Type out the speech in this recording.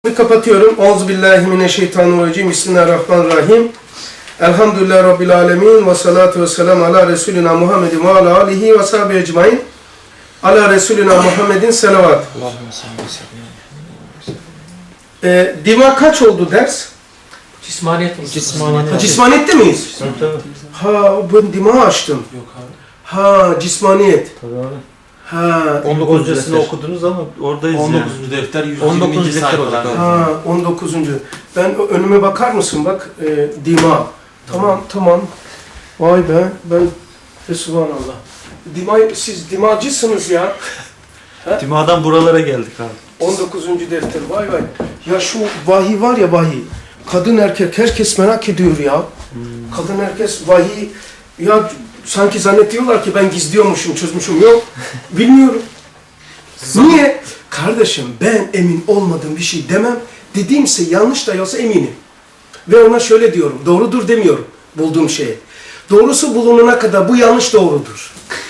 Kapatıyorum. Euzubillahimineşşeytanirracim. Bismillahirrahmanirrahim. Elhamdülillahi Rabbil alemin. Ve salatu ve selamu ala Resulina Muhammedin ve ala alihi ve sahibi ecmain. Ala Resulina Muhammedin selavat. Dima kaç oldu ders? Cismaniyet. Cismaniyette miyiz? Tabii. Ha, ben dima açtım. Yok abi. Ha, cismaniyet. Tabii abi. Ha, 19. Hocasını okudunuz ama oradayız 19. yani. defter 19. 120. defter olacak sayfalar. abi. ha, 19. Ben önüme bakar mısın? Bak, dima. Tamam. Vay be, ben subhanallah. Siz dimacısınız ya. Dima'dan buralara geldik abi. 19. defter, vay. Ya şu vahiy var ya, vahiy. Kadın erkek, herkes merak ediyor ya. Kadın herkes vahiy. Ya sanki zannediyorlar ki ben gizliyormuşum, çözmüşüm. Yok, bilmiyorum. Niye? Kardeşim, ben emin olmadığım bir şey demem. Dediğimse yanlış da olsa eminim. Ve ona şöyle diyorum, doğrudur demiyorum bulduğum şeye. Doğrusu bulunana kadar bu yanlış doğrudur.